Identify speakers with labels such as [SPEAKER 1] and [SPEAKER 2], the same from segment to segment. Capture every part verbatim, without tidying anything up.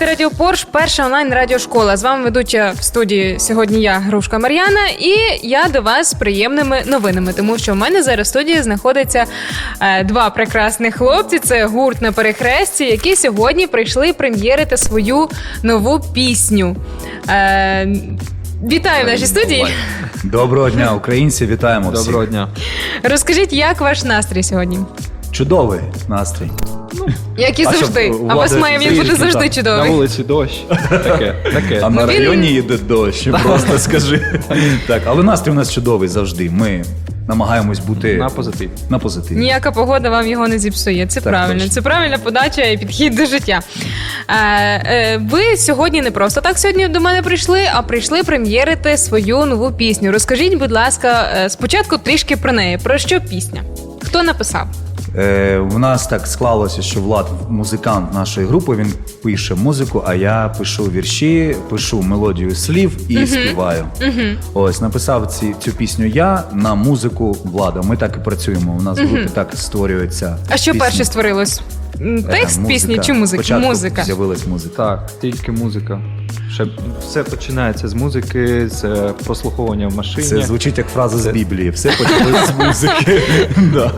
[SPEAKER 1] слухаєте Радіо Порш, перша онлайн-радіошкола. З вами ведуча в студії сьогодні я, Грушка Мар'яна, і я до вас з приємними новинами, тому що в мене зараз в студії знаходиться е, два прекрасних хлопці. Це гурт «На перехресті», які сьогодні прийшли прем'єрити свою нову пісню. Е, вітаю в нашій студії.
[SPEAKER 2] Доброго дня, українці, вітаємо всіх.
[SPEAKER 3] Доброго дня.
[SPEAKER 1] Розкажіть, як ваш настрій сьогодні?
[SPEAKER 2] Чудовий настрій.
[SPEAKER 1] Ну, як і
[SPEAKER 2] а
[SPEAKER 1] завжди.
[SPEAKER 2] щоб,
[SPEAKER 1] А у вас
[SPEAKER 2] Влада,
[SPEAKER 1] має він бути
[SPEAKER 2] трішки
[SPEAKER 1] завжди
[SPEAKER 2] так.
[SPEAKER 1] чудовий.
[SPEAKER 3] На вулиці дощ. Таке, таке.
[SPEAKER 2] А на
[SPEAKER 1] він-
[SPEAKER 2] районі йде дощ, просто скажи. Так, але настрій у нас чудовий завжди. Ми намагаємось бути
[SPEAKER 3] На позитив.
[SPEAKER 2] на позитиві.
[SPEAKER 1] Ніяка погода вам його не зіпсує. Це
[SPEAKER 2] Так,
[SPEAKER 1] правильно.
[SPEAKER 2] точно.
[SPEAKER 1] Це правильна подача і підхід до життя. Е, е, ви сьогодні не просто так сьогодні до мене прийшли, а прийшли прем'єрити свою нову пісню. Розкажіть, будь ласка, е, спочатку трішки про неї. Про що пісня? Хто написав?
[SPEAKER 2] Е, у нас так склалося, що Влад музикант нашої групи, він пише музику, а я пишу вірші, пишу мелодію слів і uh-huh. співаю. Uh-huh. Ось, написав ці, цю пісню я на музику Влада. Ми так і працюємо. У нас в групі uh-huh. так створюється.
[SPEAKER 1] А що
[SPEAKER 2] пісня.
[SPEAKER 1] перше створилось? Текст
[SPEAKER 2] Е,
[SPEAKER 1] пісні чи музика?
[SPEAKER 2] Спочатку
[SPEAKER 1] Музика.
[SPEAKER 2] з'явилась музика.
[SPEAKER 3] Так, тільки музика. Ще все починається з музики, з прослуховування в машині.
[SPEAKER 2] Це звучить як фраза
[SPEAKER 3] Це...
[SPEAKER 2] з Біблії. Все почалось з музики. Да.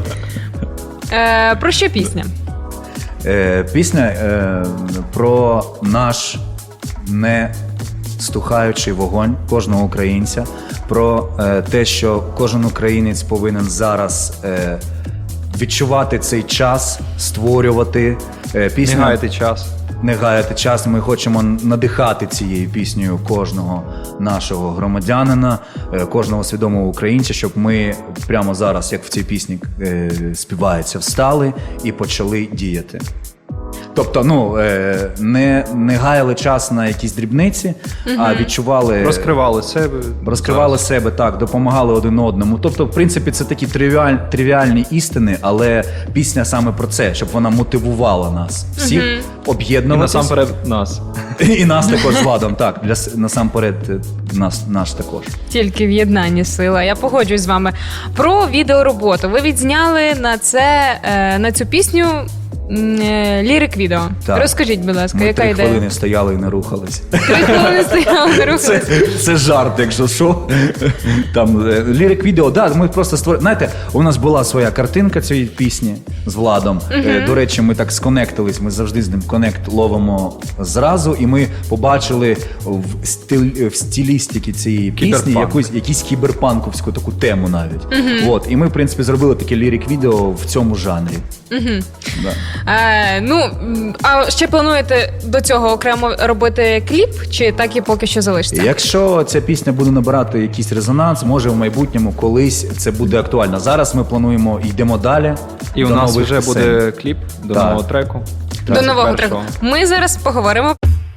[SPEAKER 1] Е, про що пісня?
[SPEAKER 2] Е, пісня е, про наш не стухаючий вогонь кожного українця, про е, те, що кожен українець повинен зараз е, відчувати цей час, створювати. Е, пісня,
[SPEAKER 3] Не гаяти час.
[SPEAKER 2] Не гаяти час. Ми хочемо надихати цією піснею кожного нашого громадянина, е, кожного свідомого українця, щоб ми прямо зараз, як в цій пісні е, співається, встали і почали діяти. Тобто, ну, е, не, не гаяли час на якісь дрібниці, uh-huh. а відчували...
[SPEAKER 3] Розкривали себе.
[SPEAKER 2] Розкривали
[SPEAKER 3] зараз.
[SPEAKER 2] себе, так, допомагали один одному. Тобто, в принципі, це такі тривіаль, тривіальні істини, але пісня саме про це, щоб вона мотивувала нас всіх
[SPEAKER 1] uh-huh.
[SPEAKER 3] І
[SPEAKER 2] об'єднуватися.
[SPEAKER 3] насамперед нас.
[SPEAKER 2] І нас також з Владом, так, для, насамперед нас, наш також.
[SPEAKER 1] Тільки в єднанні сила. Я погоджуюсь з вами. Про відеороботу. Ви відзняли на це, е, на цю пісню лірик-відео.
[SPEAKER 2] Так.
[SPEAKER 1] Розкажіть, будь ласка,
[SPEAKER 2] Ми
[SPEAKER 1] яка
[SPEAKER 2] три
[SPEAKER 1] ідея?
[SPEAKER 2] хвилини стояли і не рухались.
[SPEAKER 1] Три хвилини стояли, не рухались.
[SPEAKER 2] Це, це жарт, якщо що. Там е, лірик-відео, да, ми просто створили. Знаєте, у нас була своя картинка цієї пісні з Владом. Uh-huh. Е, до речі, ми так сконектились, ми завжди з ним конект ловимо зразу, і ми побачили в, стиль, в стилістиці цієї пісні якусь, якусь кіберпанковську таку тему навіть. Uh-huh. От, і ми, в принципі, зробили таке лірик-відео в цьому жанрі.
[SPEAKER 1] Uh-huh.
[SPEAKER 2] Да.
[SPEAKER 1] Е, ну, а ще плануєте до цього окремо робити кліп, чи так і поки що залишиться?
[SPEAKER 2] Якщо ця пісня буде набирати якийсь резонанс, може в майбутньому колись це буде актуально. Зараз ми плануємо, йдемо далі.
[SPEAKER 3] І у
[SPEAKER 2] до
[SPEAKER 3] нас
[SPEAKER 2] нових
[SPEAKER 3] вже
[SPEAKER 2] пісень.
[SPEAKER 3] буде кліп до
[SPEAKER 2] Так.
[SPEAKER 3] нового треку.
[SPEAKER 1] До нового треку. Ми зараз поговоримо.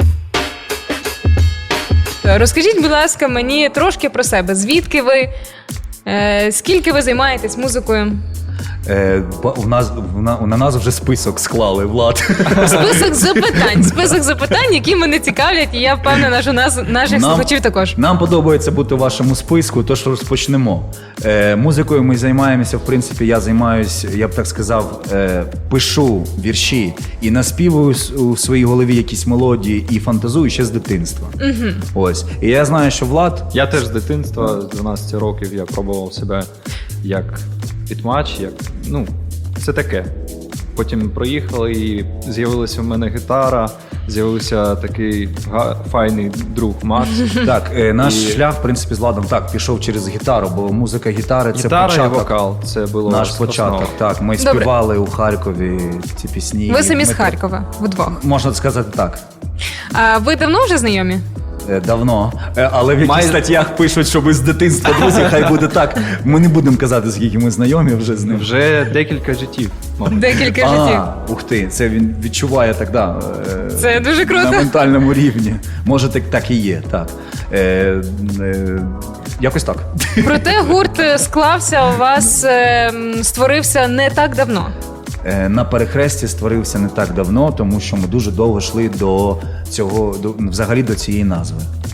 [SPEAKER 1] Розкажіть, будь ласка, мені трошки про себе. Звідки ви? Е, скільки ви займаєтесь музикою?
[SPEAKER 2] Е, у нас, на нас вже список склали, Влад.
[SPEAKER 1] Список запитань. Список запитань, які мене цікавлять, і я впевнена, що нас, наших
[SPEAKER 2] Нам-
[SPEAKER 1] слухачів також.
[SPEAKER 2] Нам подобається бути у вашому списку, тож розпочнемо. Е, музикою ми займаємося, в принципі, я займаюся, я б так сказав, е, пишу вірші і наспівую с- у своїй голові якісь мелодії і фантазую ще з дитинства. Угу. Ось. І я знаю, що Влад...
[SPEAKER 3] Я теж з дитинства, з дванадцяти років, я пробував себе як підмач, як, ну, це таке. Потім проїхали і з'явилася в мене гітара, з'явився такий га- файний друг Макс.
[SPEAKER 2] Так, е, наш
[SPEAKER 3] І-
[SPEAKER 2] шлях, в принципі, з Владом так, пішов через гітару, бо музика гітари – це
[SPEAKER 3] Гітара і
[SPEAKER 2] початок.
[SPEAKER 3] вокал, це було
[SPEAKER 2] Наш
[SPEAKER 3] основа.
[SPEAKER 2] початок, так. Ми
[SPEAKER 1] Добре.
[SPEAKER 2] співали у Харкові ці пісні.
[SPEAKER 1] Ви самі з
[SPEAKER 2] Ми-
[SPEAKER 1] Харкова, вдвох.
[SPEAKER 2] Можна сказати так.
[SPEAKER 1] А ви давно вже знайомі?
[SPEAKER 2] Е, Давно. Е, Але в яких
[SPEAKER 3] Май-
[SPEAKER 2] статтях пишуть, що ви з дитинства, друзі, хай буде так. Ми не будемо казати, скільки ми знайомі вже з ним.
[SPEAKER 3] Вже декілька життів, мабуть.
[SPEAKER 1] Декілька життів.
[SPEAKER 2] А, ух ти, це він відчуває так, да. е,
[SPEAKER 1] Це дуже круто.
[SPEAKER 2] На ментальному рівні. Може, так, так і є, так. Е, е, якось так.
[SPEAKER 1] Проте гурт склався у вас, е, м, створився не так давно.
[SPEAKER 2] Е, На перехресті створився не так давно, тому що ми дуже довго йшли до цього, до, взагалі до цієї назви.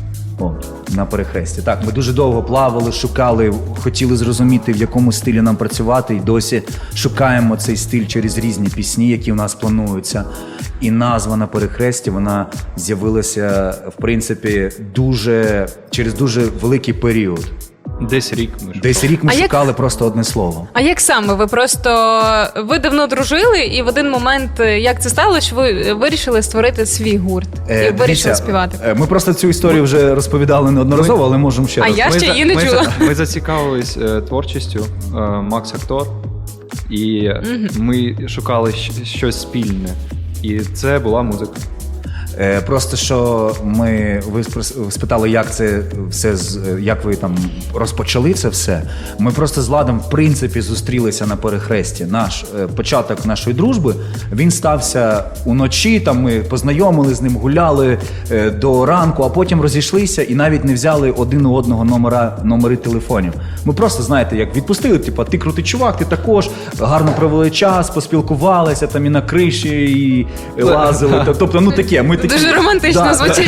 [SPEAKER 2] О, на перехресті. Так, ми дуже довго плавали, шукали, хотіли зрозуміти, в якому стилі нам працювати, і досі шукаємо цей стиль через різні пісні, які в нас плануються. І назва на перехресті, вона з'явилася, в принципі, дуже, через дуже великий період.
[SPEAKER 3] Десь рік ми
[SPEAKER 2] Десь рік ми
[SPEAKER 1] А як-
[SPEAKER 2] шукали просто одне слово.
[SPEAKER 1] А як саме? Ви просто ви давно дружили, і в один момент, як це сталося, що ви вирішили створити свій гурт і
[SPEAKER 2] Е,
[SPEAKER 1] вирішили
[SPEAKER 2] дивіться,
[SPEAKER 1] співати?
[SPEAKER 2] е, Ми просто цю історію вже розповідали неодноразово, але можемо ще
[SPEAKER 1] А
[SPEAKER 2] раз.
[SPEAKER 1] я
[SPEAKER 3] Ми
[SPEAKER 1] ще
[SPEAKER 3] за-
[SPEAKER 1] її не
[SPEAKER 3] ми
[SPEAKER 1] чула.
[SPEAKER 3] за- Ми зацікавились е, творчістю, е, Макс актор, і ми шукали щ- щось спільне. І це була музика.
[SPEAKER 2] Е, Просто що ми ви спро- спитали, як це все з- як ви там розпочали це все. Ми просто з Владом, в принципі, зустрілися на перехресті. Наш е, початок нашої дружби він стався уночі. Там ми познайомили з ним, гуляли е, до ранку, а потім розійшлися і навіть не взяли один у одного номера номери телефонів. Ми просто знаєте, як відпустили, типу, ти крутий чувак, ти також гарно провели час, поспілкувалися там і на криші, і, і лазили. Тобто, ну таке. Ми такі,
[SPEAKER 1] Дуже романтично
[SPEAKER 2] Да.
[SPEAKER 1] звучить.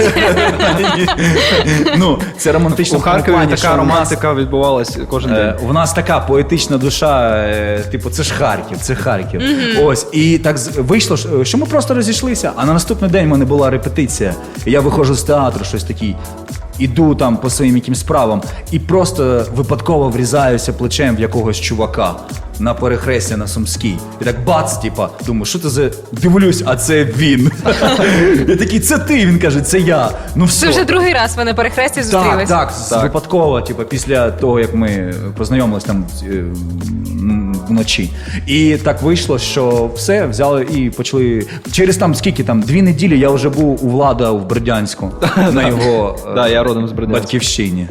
[SPEAKER 2] Ну, це романтично
[SPEAKER 3] У
[SPEAKER 2] в тому
[SPEAKER 3] Харкові
[SPEAKER 2] плані,
[SPEAKER 3] така
[SPEAKER 2] що у нас,
[SPEAKER 3] романтика відбувалась кожен день.
[SPEAKER 2] е, у нас така поетична душа, е, типу, це ж Харків, це Харків. Ось, і так з- вийшло, що- що ми просто розійшлися, а на наступний день в мене була репетиція. І я виходжу з театру, щось такий. Іду там по своїм якимсь справам і просто випадково врізаюся плечем в якогось чувака на перехресті на Сумській. І так бац, типа, думаю, що це за. Дивлюсь, а це він. Я такий, це ти. Він каже, це я. Ну все.
[SPEAKER 1] Це вже другий раз ви на перехресті
[SPEAKER 2] Так,
[SPEAKER 1] зустрілися.
[SPEAKER 2] так, так. Випадково, типу, після того, як ми познайомились там е, м, вночі. І так вийшло, що все, взяли і почали. Через там скільки там, дві неділі я вже був у Влада в Бердянську на його е,
[SPEAKER 3] Да, я родом з Бердянська.
[SPEAKER 2] батьківщині.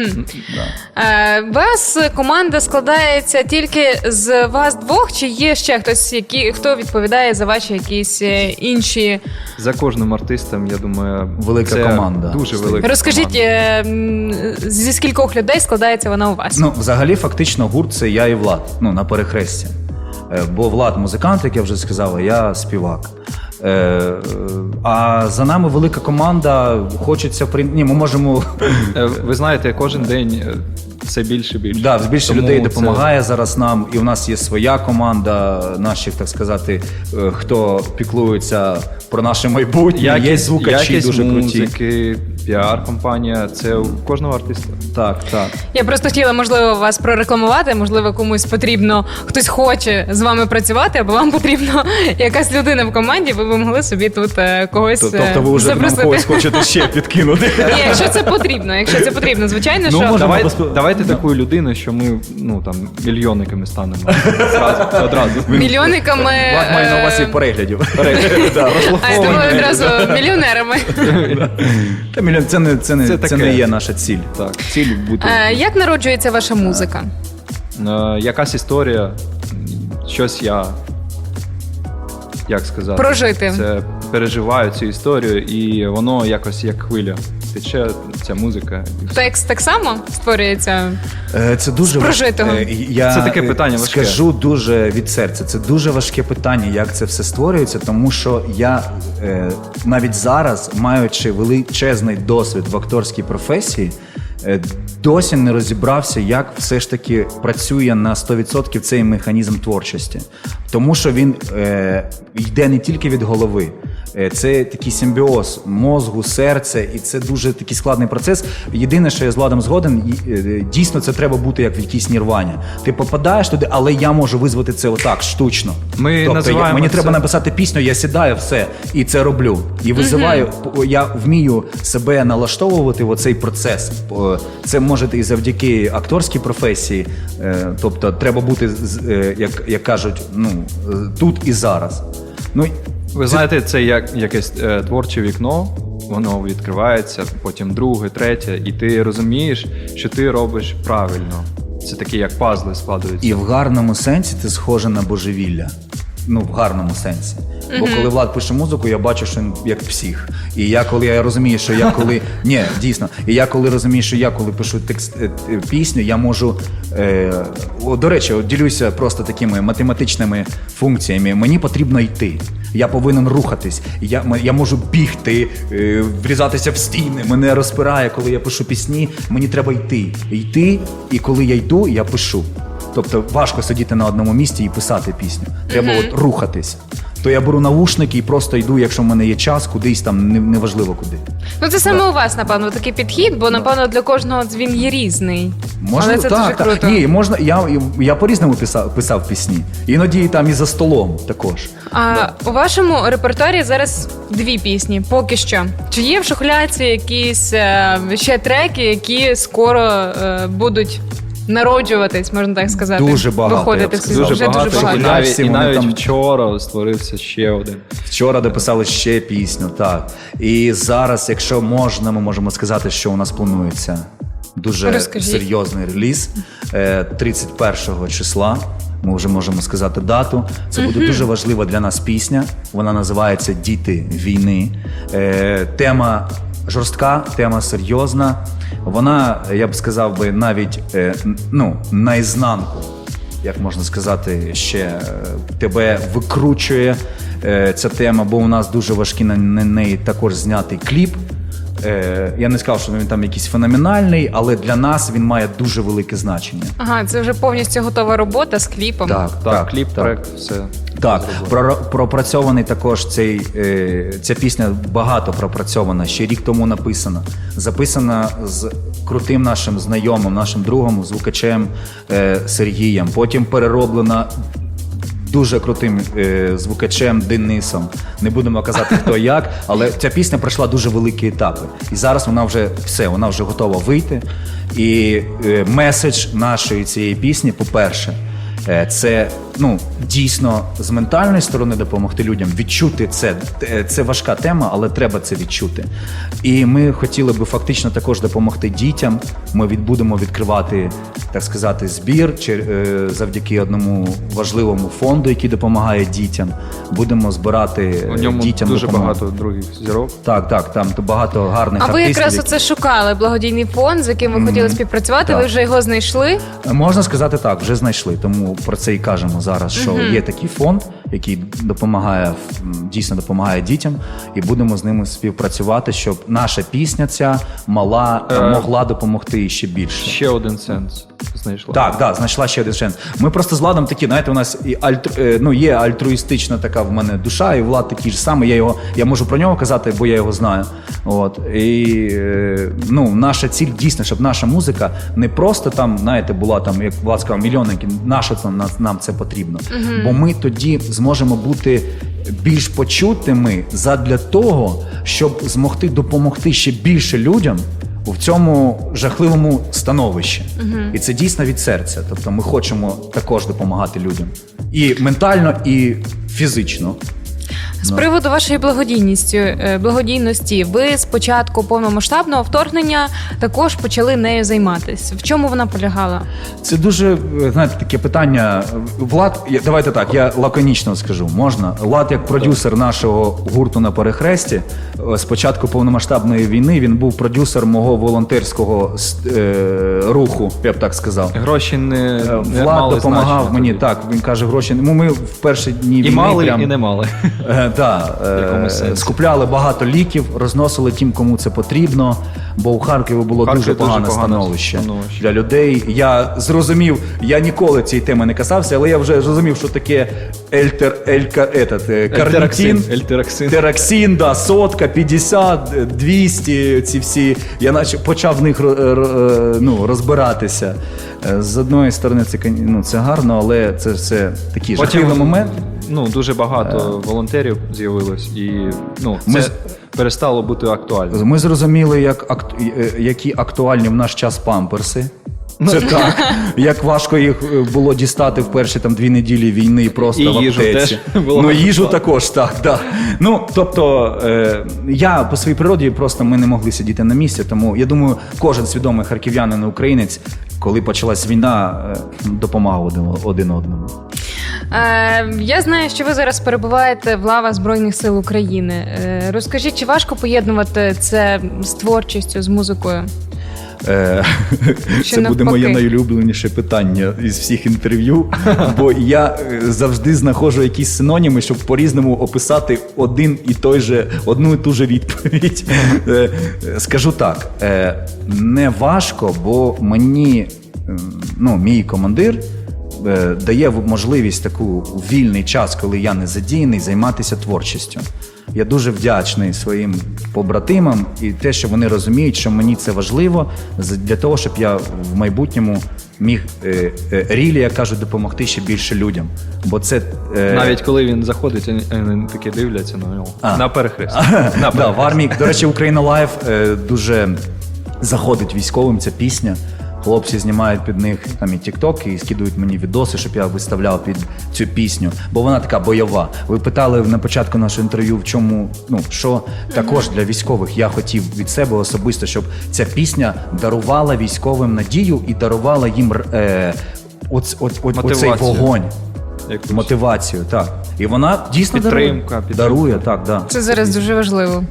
[SPEAKER 1] Е, вас команда складається тільки з вас двох, чи є ще хтось, які, хто відповідає за ваші якісь е, інші?
[SPEAKER 3] За кожним артистом, я думаю,
[SPEAKER 2] Велика
[SPEAKER 3] це
[SPEAKER 2] команда
[SPEAKER 3] Дуже
[SPEAKER 2] стоїть.
[SPEAKER 3] велика
[SPEAKER 1] Розкажіть,
[SPEAKER 3] команда.
[SPEAKER 1] е, м, зі скількох людей складається вона у вас?
[SPEAKER 2] Ну, взагалі, фактично, гурт це я і Влад, ну, на перехресті. Е, Бо Влад музикант, як я вже сказав, а я співак. Е, е, А за нами велика команда. Хочеться при... Ні, ми можемо.
[SPEAKER 3] Е, Ви знаєте, кожен день е, все більше і більше.
[SPEAKER 2] Да, більше
[SPEAKER 3] Тому
[SPEAKER 2] людей
[SPEAKER 3] це-
[SPEAKER 2] допомагає зараз нам, і у нас є своя команда, наших, так сказати, е, хто піклується про наше майбутнє. Є
[SPEAKER 3] Якість,
[SPEAKER 2] звукачі
[SPEAKER 3] якість
[SPEAKER 2] дуже круті.
[SPEAKER 3] музики, піар-компанія, це у кожного артиста.
[SPEAKER 2] Так, так.
[SPEAKER 1] Я просто хотіла, можливо, вас прорекламувати, можливо, комусь потрібно, хтось хоче з вами працювати, або вам потрібна якась людина в команді, ви б могли собі тут е, когось
[SPEAKER 2] Тобто
[SPEAKER 1] е,
[SPEAKER 2] ви вже нам
[SPEAKER 1] запросити.
[SPEAKER 2] когось хочете ще підкинути.
[SPEAKER 1] Ні, якщо це потрібно, якщо це потрібно, звичайно,
[SPEAKER 2] Ну,
[SPEAKER 1] що
[SPEAKER 2] може,
[SPEAKER 3] Давай,
[SPEAKER 2] безпо-
[SPEAKER 3] давайте таку людину, що ми ну, там, мільйонниками станемо. Зразу, одразу.
[SPEAKER 1] мільйонниками.
[SPEAKER 2] Влад має на увазі
[SPEAKER 1] е,
[SPEAKER 2] переглядів. Да.
[SPEAKER 1] А я думаю, одразу мільйонерами.
[SPEAKER 2] Та мільйон, це не, це не,
[SPEAKER 3] Це
[SPEAKER 2] це
[SPEAKER 3] таке.
[SPEAKER 2] не є наша ціль.
[SPEAKER 3] Так.
[SPEAKER 2] Ціль бути.
[SPEAKER 1] Е, Як народжується ваша музика?
[SPEAKER 3] Е, якась історія, щось я, як сказати,
[SPEAKER 1] Прожити.
[SPEAKER 3] це переживаю цю історію, і воно якось як хвиля. Тече ця музика. і все.
[SPEAKER 1] Текст так само створюється.
[SPEAKER 2] Е, Це дуже
[SPEAKER 1] З прожитого.
[SPEAKER 2] важ- е, Я
[SPEAKER 3] Це таке
[SPEAKER 2] е,
[SPEAKER 3] питання важке.
[SPEAKER 2] Скажу дуже від серця. Це дуже важке питання, як це все створюється, тому що я е, навіть зараз, маючи величезний досвід в акторській професії, е, досі не розібрався, як все ж таки працює на сто відсотків цей механізм творчості. Тому що він е, йде не тільки від голови. Е, Це такий симбіоз мозгу, серця, і це дуже такий складний процес. Єдине, що я з Владом згоден, і, е, дійсно це треба бути як в якійсь нірвані. Ти попадаєш туди, але я можу визвати це отак, штучно.
[SPEAKER 3] Ми
[SPEAKER 2] тобто я,
[SPEAKER 3] називаємо
[SPEAKER 2] мені
[SPEAKER 3] це-
[SPEAKER 2] треба написати пісню, я сідаю, все, і це роблю. І визиваю, п- я вмію себе налаштовувати в оцей процес. О, Це може і завдяки акторській професії, е, тобто треба бути, з- е, як, як кажуть, ну, е, тут і зараз. Ну,
[SPEAKER 3] Ви знаєте, це як якесь е, творче вікно, воно відкривається, потім друге, третє, і ти розумієш, що ти робиш правильно. Це такі як пазли складуються.
[SPEAKER 2] І в гарному сенсі ти схожа на божевілля. Ну, в гарному сенсі. Бо коли Влад пише музику, я бачу, що він як псих. І я коли я розумію, що я коли. Ні, дійсно. І я коли розумію, що я коли пишу текст е, е, пісню, я можу. Е, о, до речі, от ділюся просто такими математичними функціями. Мені потрібно йти. Я повинен рухатись. Я, м- я можу бігти, е, врізатися в стіни. Мене розпирає, коли я пишу пісні. Мені треба йти. Йти, і коли я йду, я пишу. Тобто важко сидіти на одному місці і писати пісню. Треба mm-hmm. от рухатись. То я беру навушники і просто йду, якщо в мене є час, кудись там, не- неважливо куди.
[SPEAKER 1] Ну це саме у вас, напевно, такий підхід, бо напевно для кожного він є різний.
[SPEAKER 2] Можна,
[SPEAKER 1] Але це
[SPEAKER 2] так,
[SPEAKER 1] дуже
[SPEAKER 2] так.
[SPEAKER 1] круто.
[SPEAKER 2] Ні, можна, я, я по-різному писав, писав пісні. Іноді там і за столом також.
[SPEAKER 1] А у вашому репертуарі зараз дві пісні, поки що. Чи є в шухляці якісь е, ще треки, які скоро е, будуть народжуватись, можна так сказати?
[SPEAKER 2] Дуже багато,
[SPEAKER 1] Виходити
[SPEAKER 2] я б
[SPEAKER 1] в
[SPEAKER 2] сказав.
[SPEAKER 1] світ?
[SPEAKER 3] Дуже
[SPEAKER 1] Вже
[SPEAKER 3] багато,
[SPEAKER 1] дуже
[SPEAKER 3] і
[SPEAKER 1] багато.
[SPEAKER 3] навіть,
[SPEAKER 2] Всі
[SPEAKER 3] і
[SPEAKER 2] вони
[SPEAKER 3] навіть
[SPEAKER 2] там-
[SPEAKER 3] вчора створився ще один.
[SPEAKER 2] Вчора дописали ще пісню, так. І зараз, якщо можна, ми можемо сказати, що у нас планується дуже
[SPEAKER 1] Розкажіть.
[SPEAKER 2] серйозний реліз е, тридцять першого числа. Ми вже можемо сказати дату. Це буде дуже важлива для нас пісня. Вона називається «Діти війни». Е, Тема жорстка, тема серйозна. Вона, я б сказав би, навіть е, ну, наізнанку, як можна сказати, ще е, тебе викручує е, ця тема, бо у нас дуже важкий на, на неї також знятий кліп. Е, я не сказав, що він там якийсь феноменальний, але для нас він має дуже велике значення.
[SPEAKER 1] Ага, це вже повністю готова робота з кліпом.
[SPEAKER 2] Так,
[SPEAKER 3] Так, кліп,
[SPEAKER 2] так.
[SPEAKER 3] трек, все.
[SPEAKER 2] Так,
[SPEAKER 3] зроблено.
[SPEAKER 2] про, пропрацьований також цей, е, ця пісня багато пропрацьована, ще рік тому написана. Записана з крутим нашим знайомим, нашим другом, звукачем е, Сергієм. Потім перероблена дуже крутим е, звукачем Денисом. Не будемо казати, хто як, але ця пісня пройшла дуже великі етапи. І зараз вона вже все, вона вже готова вийти. І е, меседж нашої цієї пісні, по-перше, е, це ну, дійсно з ментальної сторони допомогти людям відчути це. Е, Це важка тема, але треба це відчути. І ми хотіли би фактично також допомогти дітям. Ми від, будемо відкривати, так сказати, збір чи, е, завдяки одному важливому фонду, який допомагає дітям. Будемо збирати
[SPEAKER 3] У ньому
[SPEAKER 2] дітям
[SPEAKER 3] дуже
[SPEAKER 2] допомогу.
[SPEAKER 3] багато других зірок.
[SPEAKER 2] Так, так, там багато гарних
[SPEAKER 1] А ви
[SPEAKER 2] артистів.
[SPEAKER 1] якраз
[SPEAKER 2] які-
[SPEAKER 1] оце шукали благодійний фонд, з яким ви хотіли співпрацювати,
[SPEAKER 2] так.
[SPEAKER 1] ви вже його знайшли.
[SPEAKER 2] Можна сказати так, вже знайшли. Тому про це і кажемо зараз, що є такий фонд, який допомагає, м, дійсно допомагає дітям, і будемо з ними співпрацювати, щоб наша пісня ця мала
[SPEAKER 3] Е,
[SPEAKER 2] могла допомогти ще більше.
[SPEAKER 3] Ще один сенс знайшла.
[SPEAKER 2] Так, так, знайшла ще один шанс. Ми просто з Владом такі, знаєте, у нас і альтру, е, ну, є альтруїстична така в мене душа, і Влад такий ж самий. Я його, я можу про нього казати, бо я його знаю. От. І е, ну, наша ціль дійсно, щоб наша музика не просто там, знаєте, була там, як Влад сказав, мільйонники, наша це нам, нам це потрібно. Бо ми тоді зможемо бути більш почутими задля того, щоб змогти допомогти ще більше людям в цьому жахливому становищі. І це дійсно від серця. Тобто ми хочемо також допомагати людям. І ментально, і фізично.
[SPEAKER 1] З приводу вашої благодійності, е, благодійності, ви з початку повномасштабного вторгнення також почали нею займатися. В чому вона полягала?
[SPEAKER 2] Це дуже, знаєте, таке питання. Влад, я- давайте так, я лаконічно скажу, можна? Влад, як продюсер нашого гурту «На перехресті», е, з початку повномасштабної війни він був продюсер мого волонтерського е, руху, я б так сказав.
[SPEAKER 3] Гроші не, не
[SPEAKER 2] Влад
[SPEAKER 3] мали
[SPEAKER 2] допомагав
[SPEAKER 3] значення
[SPEAKER 2] мені,
[SPEAKER 3] тоді.
[SPEAKER 2] так, він каже, гроші. Ну, ми в перші дні
[SPEAKER 3] І
[SPEAKER 2] війни
[SPEAKER 3] мали,
[SPEAKER 2] прям,
[SPEAKER 3] і не мали.
[SPEAKER 2] Е, да, е,
[SPEAKER 3] якомусь сенсі.
[SPEAKER 2] скупляли багато ліків, розносили тим, кому це потрібно, бо у Харкові було
[SPEAKER 3] Харкові
[SPEAKER 2] дуже
[SPEAKER 3] дуже
[SPEAKER 2] погане
[SPEAKER 3] погане
[SPEAKER 2] становище
[SPEAKER 3] становище.
[SPEAKER 2] для людей. Я зрозумів, я ніколи цієї теми не касався, але я вже зрозумів, що таке ельтер, елька, етат, е, карнітин,
[SPEAKER 3] Ельтераксин.
[SPEAKER 2] тераксин, да, сотка, п'ятдесят, двісті, ці всі. Я наче почав в них ро- ро- ну, розбиратися. Е, З одної сторони, це, кон- ну, це гарно, але це все такий жахливий момент.
[SPEAKER 3] Ну, дуже багато волонтерів з'явилось, і ну, це
[SPEAKER 2] Ми з-
[SPEAKER 3] перестало бути актуальним.
[SPEAKER 2] Ми зрозуміли, як акт... е, які актуальні в наш час памперси. Це так. Як важко їх е, було дістати в перші там дві неділі війни просто
[SPEAKER 3] І
[SPEAKER 2] в
[SPEAKER 3] їжу
[SPEAKER 2] аптеці.
[SPEAKER 3] теж було
[SPEAKER 2] Ну,
[SPEAKER 3] важко.
[SPEAKER 2] їжу також, так, так. Ну, тобто, е, я по своїй природі просто ми не могли сидіти на місці, тому я думаю, кожен свідомий харків'янин і українець, коли почалась війна, е, допомагав один, один одному.
[SPEAKER 1] Е, я знаю, що ви зараз перебуваєте в лавах Збройних сил України. Е, розкажіть, чи важко поєднувати це з творчістю, з музикою?
[SPEAKER 2] Е,
[SPEAKER 1] Чи
[SPEAKER 2] Це буде моє
[SPEAKER 1] навпаки?
[SPEAKER 2] найулюбленіше питання із всіх інтерв'ю, бо я е, завжди знаходжу якісь синоніми, щоб по-різному описати один і той же, одну і ту же відповідь. Е, Скажу так, е, не важко, бо мені, е, ну, мій командир е, дає можливість таку у вільний час, коли я не задіяний, займатися творчістю. Я дуже вдячний своїм побратимам і те, що вони розуміють, що мені це важливо з- для того, щоб я в майбутньому міг е, е, рілі, як кажуть, допомогти ще більше людям. Бо це е,
[SPEAKER 3] Навіть коли він заходить, вони- вони такі дивляться на нього.
[SPEAKER 2] А.
[SPEAKER 3] На перехрест.
[SPEAKER 2] да, в армії, до речі, Україна Лайв е, дуже заходить військовим ця пісня. Хлопці знімають під них там і тіктоки, і скидують мені відоси, щоб я виставляв під цю пісню, бо вона така бойова. Ви питали на початку нашого інтерв'ю, в чому, ну, що також для військових я хотів від себе особисто, щоб ця пісня дарувала військовим надію і дарувала їм е, оц, оц, оц, оцей
[SPEAKER 3] Мотивацію.
[SPEAKER 2] вогонь,
[SPEAKER 3] Якусь.
[SPEAKER 2] мотивацію, так. І вона дійсно
[SPEAKER 3] Підтримка,
[SPEAKER 2] дарує.
[SPEAKER 3] підтримка.
[SPEAKER 2] Дарує, так, да.
[SPEAKER 1] Це зараз дуже важливо.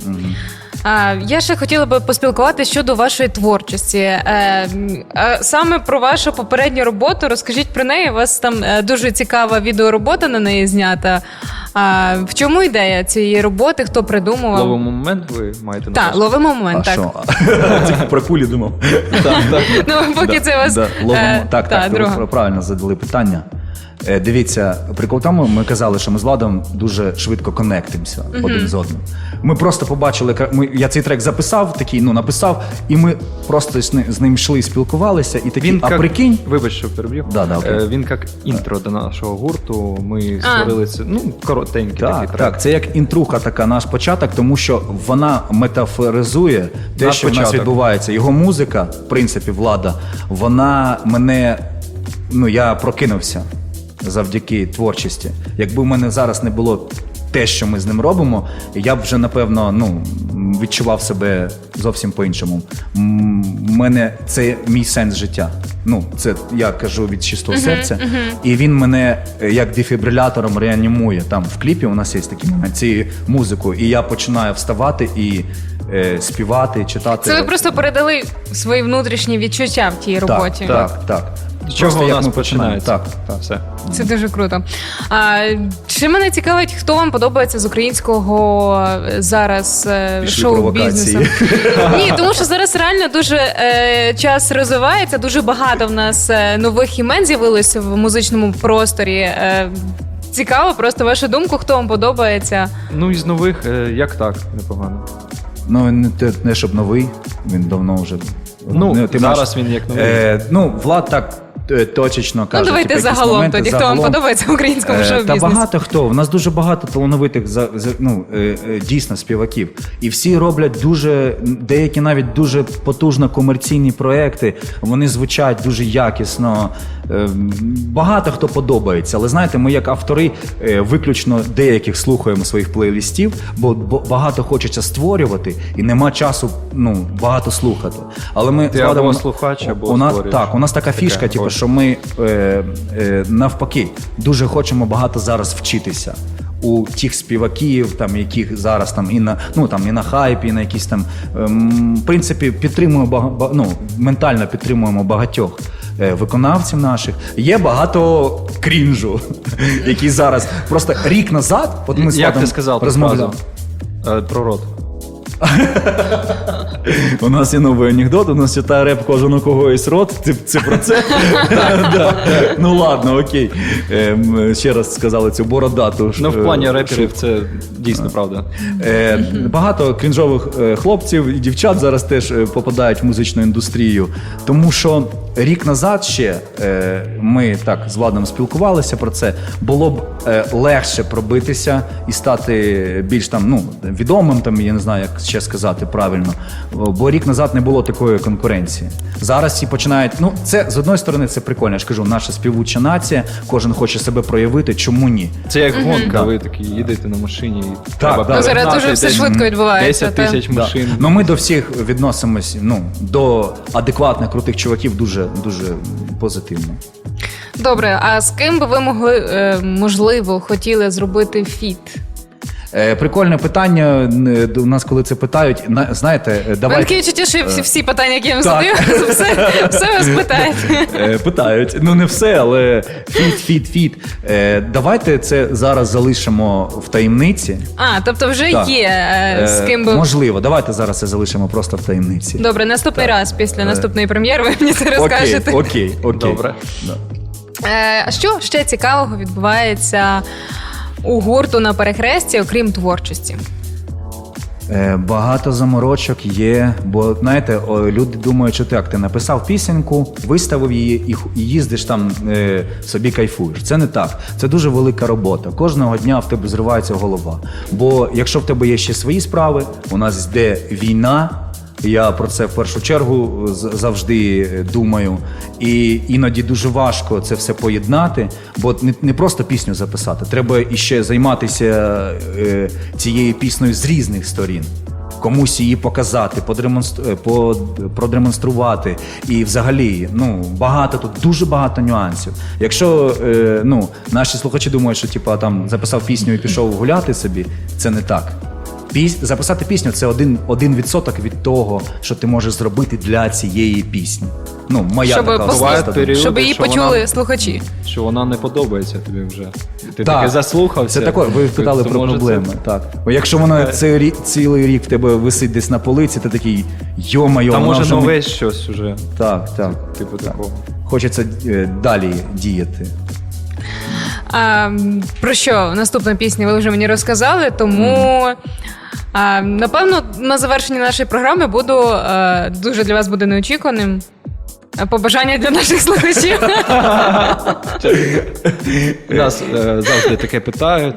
[SPEAKER 1] А, я ще хотіла би поспілкуватися щодо вашої творчості. Е, м, а саме про вашу попередню роботу. Розкажіть про неї. У вас там е, дуже цікава відеоробота на неї знята. А, в чому ідея цієї роботи? Хто придумував?
[SPEAKER 3] Ловимо момент, ви маєте на
[SPEAKER 1] Так,
[SPEAKER 3] увазі?
[SPEAKER 1] ловимо момент,
[SPEAKER 2] А
[SPEAKER 1] так.
[SPEAKER 2] що? Тільки про кулі думав.
[SPEAKER 3] Так, так.
[SPEAKER 1] Ну, поки це у вас.
[SPEAKER 2] Да, ловимо.
[SPEAKER 1] е,
[SPEAKER 2] так,
[SPEAKER 1] та,
[SPEAKER 2] так,
[SPEAKER 1] друга.
[SPEAKER 2] ви правильно задали питання. Е, Дивіться, прикол в тому, ми казали, що ми з Владом дуже швидко коннектимося один з одним. Ми просто побачили, ка- ми, я цей трек записав, такий, ну, написав, і ми просто з, ни- з ним йшли, спілкувалися, і такі, а
[SPEAKER 3] як-
[SPEAKER 2] прикинь,
[SPEAKER 3] Вибач, що переб'ю.
[SPEAKER 2] Да, да, окей.
[SPEAKER 3] Е, Він як інтро до нашого гурту. Ми створили це, ну, коротенький такий
[SPEAKER 2] так,
[SPEAKER 3] трек.
[SPEAKER 2] так, це як інтруха така, наш початок, тому що вона метафоризує те,
[SPEAKER 3] Наш
[SPEAKER 2] що в нас
[SPEAKER 3] початок.
[SPEAKER 2] відбувається. Його музика, в принципі, Влада, вона мене, ну, я прокинувся завдяки творчості. Якби в мене зараз не було те, що ми з ним робимо, я б вже, напевно, ну, відчував себе зовсім по-іншому. М, в мене це мій сенс життя. Ну, це я кажу від чистого серця. І він мене е, як дефібрилятором реанімує. Там в кліпі у нас є такий момент, цією музикою. І я починаю вставати і е, співати, читати.
[SPEAKER 1] Це ви просто передали свої внутрішні відчуття в тій роботі.
[SPEAKER 2] Так, так, так.
[SPEAKER 3] З чого
[SPEAKER 2] Просто
[SPEAKER 3] у
[SPEAKER 2] як
[SPEAKER 3] нас
[SPEAKER 2] ми починаємо.
[SPEAKER 3] починається?
[SPEAKER 2] Так.
[SPEAKER 3] Так, все.
[SPEAKER 1] Це дуже круто. А, чи мене цікавить, хто вам подобається з українського е, зараз е,
[SPEAKER 2] Пішли
[SPEAKER 1] шоу-бізнесу?
[SPEAKER 2] провокації.
[SPEAKER 1] Ні, тому що зараз реально дуже е, час розвивається, дуже багато в нас е, нових імен з'явилося в музичному просторі. Е, цікаво, просто вашу думку, хто вам подобається.
[SPEAKER 3] Ну, із нових, е, як так, непогано.
[SPEAKER 2] Ну, він не, те- не щоб новий, він давно вже.
[SPEAKER 3] Ну,
[SPEAKER 2] Не, ти
[SPEAKER 3] зараз
[SPEAKER 2] маєш-
[SPEAKER 3] він як новий.
[SPEAKER 2] Е, ну, Влад так е, точечно каже.
[SPEAKER 1] Ну, давайте
[SPEAKER 2] типу, якісь
[SPEAKER 1] загалом
[SPEAKER 2] моменти,
[SPEAKER 1] тоді, хто вам
[SPEAKER 2] загалом.
[SPEAKER 1] подобається в українському
[SPEAKER 2] Е, Та
[SPEAKER 1] шоу-бізнесі.
[SPEAKER 2] багато хто. У нас дуже багато талановитих за, за- ну, е, е, дійсно співаків. І всі роблять дуже, деякі навіть дуже потужно комерційні проекти. Вони звучать дуже якісно. Е, Багато хто подобається. Але знаєте, ми як автори е, виключно деяких слухаємо своїх плейлистів, бо, бо багато хочеться створювати і нема часу, ну, багато слухати. Але ми
[SPEAKER 3] Ти
[SPEAKER 2] з Владом-
[SPEAKER 3] або слухач, або
[SPEAKER 2] у нас,
[SPEAKER 3] створюєш.
[SPEAKER 2] так, у нас така
[SPEAKER 3] Таке,
[SPEAKER 2] фішка, типу,
[SPEAKER 3] ось.
[SPEAKER 2] що ми е, е, навпаки дуже хочемо багато зараз вчитися у тих співаків, там яких зараз там і на ну там і на хайпі, і на якісь там ем, в принципі підтримуємо бага, ба- ну, ментально підтримуємо багатьох е, виконавців наших. Є багато крінжу, які зараз просто рік назад, от ми з
[SPEAKER 3] Як
[SPEAKER 2] Владом
[SPEAKER 3] ти сказав ту
[SPEAKER 2] розмовляли.
[SPEAKER 3] фразу? Е, Про рот.
[SPEAKER 2] У нас є новий анекдот, у нас читає реп кожен у кого є рот. Це, це про це? Да, да. Ну ладно, окей. Ем, Ще раз сказали цю бородату.
[SPEAKER 3] Ну, в
[SPEAKER 2] е,
[SPEAKER 3] плані реперів це дійсно правда.
[SPEAKER 2] Е, Багато крінжових е, хлопців і дівчат зараз теж е, попадають в музичну індустрію. Тому що рік назад ще е, ми так з Владом спілкувалися про це. Було б е, легше пробитися і стати більш там, ну, відомим, там, я не знаю, як ще сказати правильно. Бо рік назад не було такої конкуренції. Зараз всі починають. Ну, це з одної сторони це прикольно. Я ж кажу, наша співуча нація, кожен хоче себе проявити. Чому ні?
[SPEAKER 3] Це як гонка, ви такі їдете на машині і треба
[SPEAKER 2] да.
[SPEAKER 1] Ну, зараз
[SPEAKER 3] перегнати
[SPEAKER 1] дуже все
[SPEAKER 3] десь
[SPEAKER 1] швидко відбувається.
[SPEAKER 3] десять
[SPEAKER 1] та.
[SPEAKER 3] тисяч
[SPEAKER 2] Да.
[SPEAKER 3] машин.
[SPEAKER 2] Ну ми до всіх відносимось, ну, до адекватних, крутих чуваків дуже, дуже позитивно.
[SPEAKER 1] Добре, а з ким би ви могли, е, можливо, хотіли зробити фіт?
[SPEAKER 2] Е, прикольне питання. е, У нас, коли це питають, на- знаєте, е,
[SPEAKER 1] Ви
[SPEAKER 2] давайте...
[SPEAKER 1] таке відчуття, що всі, всі питання, які я вам
[SPEAKER 2] Так.
[SPEAKER 1] задаю, все, все вас питають.
[SPEAKER 2] Е, Питають. Ну не все, але фіт, фіт, фіт. Е, Давайте це зараз залишимо в таємниці.
[SPEAKER 1] А, тобто вже
[SPEAKER 2] Так.
[SPEAKER 1] є е, з
[SPEAKER 2] Е,
[SPEAKER 1] ким би...
[SPEAKER 2] Можливо, давайте зараз це залишимо просто в таємниці.
[SPEAKER 1] Добре, наступний раз після наступної прем'єри ви мені це розкажете.
[SPEAKER 2] Окей, окей, окей.
[SPEAKER 3] Добре.
[SPEAKER 2] Да.
[SPEAKER 1] Е, А що ще цікавого відбувається у гурту на перехресті, окрім творчості?
[SPEAKER 2] Е, Багато заморочок є, бо знаєте, о, люди думають, що так, ти написав пісеньку, виставив її і, ху- і їздиш там е, собі кайфуєш. Це не так. Це дуже велика робота. Кожного дня в тебе зривається голова. Бо якщо в тебе є ще свої справи, у нас йде війна. Я про це в першу чергу з- завжди думаю. І іноді дуже важко це все поєднати, бо не, не просто пісню записати, треба іще займатися е, цією піснею з різних сторін. Комусь її показати, подремонстру- е, по- продемонструвати. І взагалі, ну, багато тут, дуже багато нюансів. Якщо е, ну, наші слухачі думають, що типу, там записав пісню і пішов гуляти собі, це не так. Піс... Записати пісню це один, один відсоток від того, що ти можеш зробити для цієї пісні. Ну, моя
[SPEAKER 1] Щоб
[SPEAKER 2] така
[SPEAKER 1] послухати,
[SPEAKER 2] особиста думка.
[SPEAKER 3] періоди,
[SPEAKER 1] щоб її
[SPEAKER 3] що
[SPEAKER 1] почули
[SPEAKER 3] вона-
[SPEAKER 1] слухачі.
[SPEAKER 3] Що вона не подобається тобі вже. Ти
[SPEAKER 2] Так.
[SPEAKER 3] таки заслухався.
[SPEAKER 2] Це таке, ви питали
[SPEAKER 3] то
[SPEAKER 2] про
[SPEAKER 3] може
[SPEAKER 2] проблеми.
[SPEAKER 3] це-
[SPEAKER 2] Так. Бо якщо воно цей рік, цілий рік в тебе висить десь на полиці, ти такий йо-майо,
[SPEAKER 3] Та
[SPEAKER 2] воно
[SPEAKER 3] може
[SPEAKER 2] вже не-
[SPEAKER 3] нове щось уже.
[SPEAKER 2] Так, так.
[SPEAKER 3] Типу
[SPEAKER 2] так.
[SPEAKER 3] такого.
[SPEAKER 2] Хочеться е, далі діяти.
[SPEAKER 1] А, м, про що наступна пісня ви вже мені розказали, тому а, напевно на завершенні нашої програми буду а, дуже для вас буде неочікуваним. а, Побажання для наших слухачів.
[SPEAKER 3] Нас е, завжди таке питають.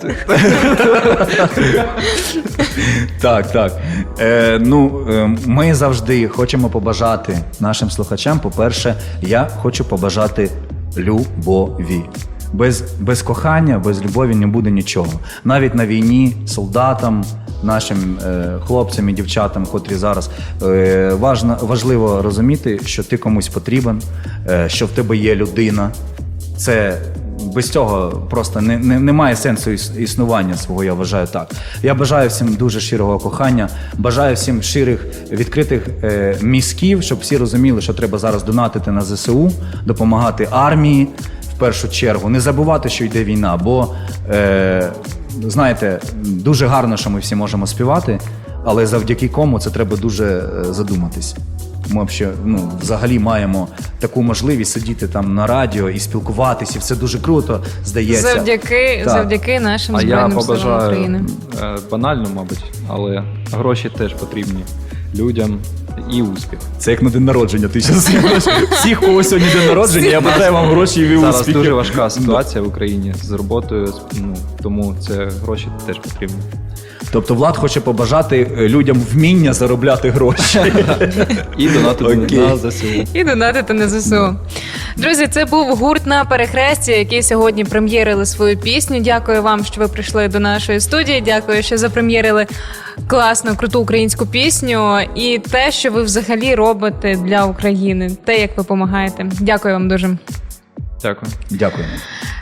[SPEAKER 2] Так, так. Е, ну, е, ми завжди хочемо побажати нашим слухачам. По-перше, я хочу побажати любові. Без, без кохання, без любові не буде нічого. Навіть на війні солдатам, нашим е, хлопцям і дівчатам, котрі зараз е, важно, важливо розуміти, що ти комусь потрібен, е, що в тебе є людина. Це без цього просто не, не, немає сенсу іс- існування свого, я вважаю так. Я бажаю всім дуже щирого кохання, бажаю всім щирих, відкритих е, мізків, щоб всі розуміли, що треба зараз донатити на зе се у, допомагати армії в першу чергу. Не забувати, що йде війна, бо, е, знаєте, дуже гарно, що ми всі можемо співати, але завдяки кому це треба дуже е, задуматись. Ми взагалі, ну, взагалі маємо таку можливість сидіти там на радіо і спілкуватися, і все дуже круто, здається.
[SPEAKER 1] Завдяки,
[SPEAKER 2] Так.
[SPEAKER 1] завдяки нашим
[SPEAKER 3] А я
[SPEAKER 1] Збройним силам
[SPEAKER 3] побажаю
[SPEAKER 1] України.
[SPEAKER 3] е, банально, мабуть, але гроші теж потрібні людям і успіх.
[SPEAKER 2] Це як на день народження. Ти зараз всіх, у кого сьогодні день народження, я бажаю вам гроші і
[SPEAKER 3] Зараз
[SPEAKER 2] успіхів.
[SPEAKER 3] дуже важка ситуація в Україні з роботою, з- ну, тому це гроші теж потрібні.
[SPEAKER 2] Тобто Влад хоче побажати е, людям вміння заробляти гроші.
[SPEAKER 3] І донати
[SPEAKER 2] Окей.
[SPEAKER 3] на зе се у.
[SPEAKER 1] І донатити на зе се у. Друзі, це був гурт на перехресті, який сьогодні прем'єрили свою пісню. Дякую вам, що ви прийшли до нашої студії. Дякую, що запрем'єрили класну, круту українську пісню і те, що ви взагалі робите для України, те, як ви допомагаєте. Дякую вам дуже.
[SPEAKER 3] Дякую.
[SPEAKER 2] Дякую.